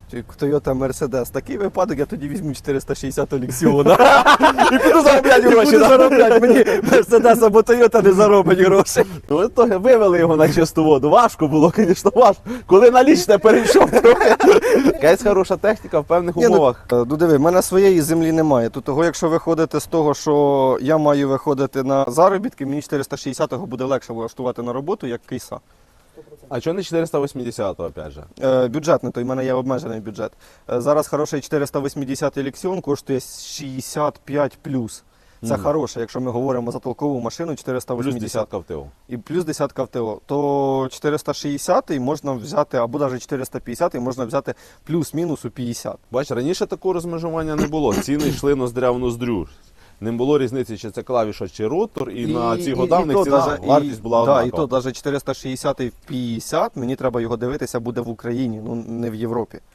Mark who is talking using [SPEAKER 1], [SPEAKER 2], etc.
[SPEAKER 1] Toyota Mercedes. Такий випадок, я тоді візьму 460 Лексіона. І піду заробляти гроші. Піду заробляти. Мені Mercedes або Toyota не заробить гроші.
[SPEAKER 2] Ну, то вивели його на чисту воду. Важко було, звісно, важко. Коли на лічне перейшов трохи. Якась хороша техніка в певних умовах.
[SPEAKER 1] Ну диви, в мене своєї землі немає. Тут того, якщо виходити з того, що я маю виходити на заробітки, мені 460-го буде легше влаштувати на роботу, як кейса.
[SPEAKER 2] А чого не 480-го, опять же?
[SPEAKER 1] Бюджетний, то в мене є обмежений бюджет. Зараз хороший 480 Лексіон коштує 65 плюс. Це хороше, якщо ми говоримо за толкову машину 480.
[SPEAKER 2] Плюс десятка в тил.
[SPEAKER 1] І плюс десятка в ТО. То 460 можна взяти, або навіть 450 можна взяти плюс-мінус у 50.
[SPEAKER 2] Бач, раніше такого розмежування не було. Ціни йшли ноздря в ноздрю. Не було різниці, чи це клавіша, чи ротор, і на ці года в них ціна, вартість була однакова.
[SPEAKER 1] І то навіть 460 в 50, мені треба його дивитися, буде в Україні, ну не в Європі.